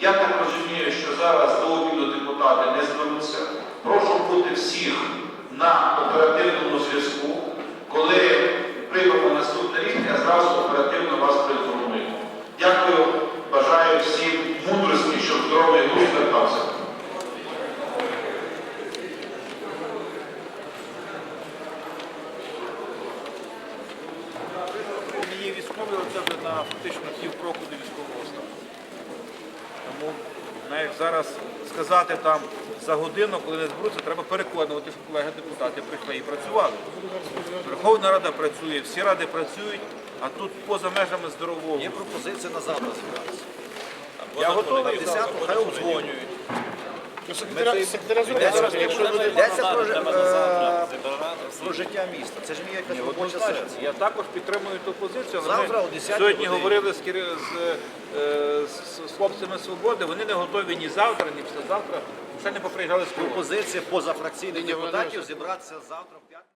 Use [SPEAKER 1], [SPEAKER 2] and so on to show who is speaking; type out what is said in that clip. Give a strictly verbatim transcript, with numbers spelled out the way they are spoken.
[SPEAKER 1] Я так розумію, що зараз до обіду депутати не зберуться. Прошу бути всіх на оперативному зв'язку. Коли приймемо наступний рік, я зразу оперативно вас проінформую. Дякую, бажаю всім мудрості, щоб здоровий глузд вертався.
[SPEAKER 2] Є військові, це вже на фактично півкроку до військового стану. Тому, навіть зараз сказати там за годину, коли не зберуться, треба переконувати, що колеги-депутати прийшли і працювали. Верховна Рада працює, всі ради працюють, а тут поза межами здорового.
[SPEAKER 3] Є пропозиція на завтра зібратися.
[SPEAKER 2] Я готовий.
[SPEAKER 3] На десяту хай обдзвонюють.
[SPEAKER 4] Секретаря зробити, якщо люди...
[SPEAKER 3] Йдеться про, е, про життя міста. Це ж не є якась робоча сесія.
[SPEAKER 2] Я також підтримую ту позицію, але
[SPEAKER 3] Завтра о
[SPEAKER 2] ми
[SPEAKER 3] десятій
[SPEAKER 2] сьогодні
[SPEAKER 3] годині.
[SPEAKER 2] говорили з, кер- з, е, з, з хлопцями «Свободи», вони не готові ні завтра, ні післязавтра, ще не поприїжджали з Києва.
[SPEAKER 3] Пропозиція позафракційних депутатів зібратися завтра в п'ятницю.